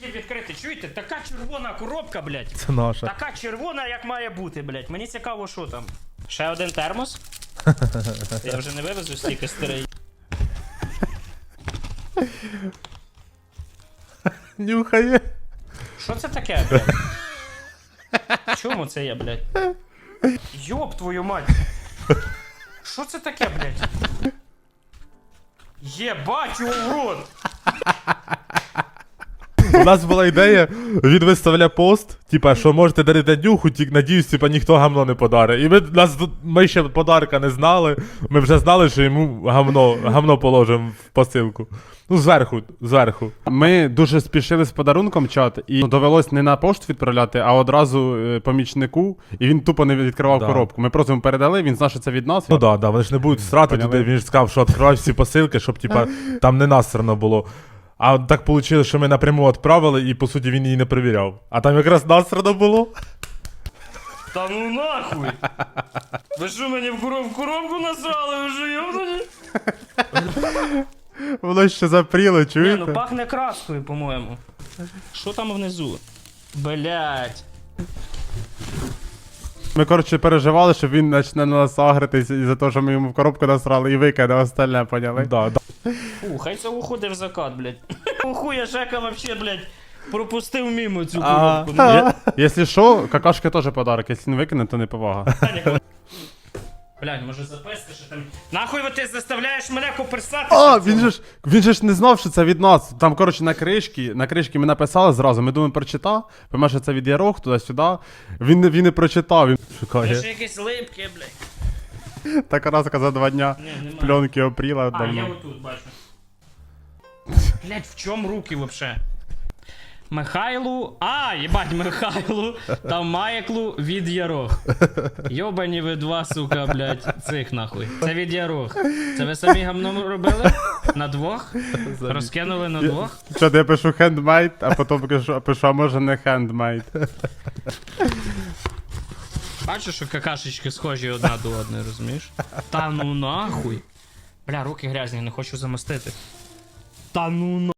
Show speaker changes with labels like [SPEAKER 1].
[SPEAKER 1] Відкрити, чуєте? Така червона коробка, блядь.
[SPEAKER 2] Це наша.
[SPEAKER 1] Така червона, як має бути, блядь. Мені цікаво, що там. Ще один термос? Я вже не вивезу стільки старий.
[SPEAKER 2] Нюхає.
[SPEAKER 1] Що це таке, блядь? Чому це я, блядь? Йоп твою мать! Що це таке, блядь? Єбать його в рот!
[SPEAKER 2] У нас була ідея, він виставляє пост, типа, що можете дарити нюху, тільки надіюсь, типа, ніхто гамно не подарить. І ми ще подарка не знали, ми вже знали, що йому гамно положимо в посилку. Ну, зверху.
[SPEAKER 3] Ми дуже спішили з подарунком, чат, і довелось не на пошту відправляти, а одразу помічнику, і він тупо не відкривав коробку. Ми просто йому передали, він знав, що це від нас.
[SPEAKER 2] Ну да, вони ж не будуть страти туди, він ж сказав, що відкривай всі посилки, щоб, типа, там не насрано було. А так вийшло, що ми напряму відправили, і, по суті, він її не перевіряв. А там якраз насрано було.
[SPEAKER 1] Та ну нахуй! Ви що мені в коробку насрали, ви що йобнуті?
[SPEAKER 3] Воно ще запріло,
[SPEAKER 1] Ні,
[SPEAKER 3] чуєте?
[SPEAKER 1] ну пахне краскою, по-моєму. Що там внизу? Блять.
[SPEAKER 3] Ми, коротше, переживали, що він почне на нас агритись із-за того, що ми йому в коробку насрали і викине остальне, поняли?
[SPEAKER 2] Да.
[SPEAKER 1] Фу, хай це уходить в закат, блять. Хуя Жека вообще, блять, пропустив мимо цю коробку.
[SPEAKER 3] Якщо що, какашки теж подарок, якщо не викине, то не повага.
[SPEAKER 1] Блять, може записка, що там. Нахуй ти заставляєш мене коперсати?
[SPEAKER 3] А, він же ж не знав, що це від нас. Там, коротше, на кришки ми написали зразу, ми думаємо, прочитав, пойме, що це від Ярох, туди-сюди. Він не прочитав, він
[SPEAKER 1] Це
[SPEAKER 3] шукає.
[SPEAKER 1] ж якісь липки, блять.
[SPEAKER 3] Така разка за 2 дня
[SPEAKER 1] Ні, нема.
[SPEAKER 3] пленки опріла
[SPEAKER 1] А, я
[SPEAKER 3] давно.
[SPEAKER 1] отут бачу. Блять, в чому руки вообще? Михайлу. А, їбать, Михайлу та Майклу від Ярох. Йобані ви два, сука, блять, цих нахуй. Це від Ярох. Це ви самі гамном робили? На двох? Розкинули на двох?
[SPEAKER 3] Що, я пишу handmade, а потім пишу, а може не handmade.
[SPEAKER 1] Бачиш, що какашечки схожі одна до одної, розумієш? Та ну нахуй. Бля, руки грязні, не хочу замостити. Та ну нахуй.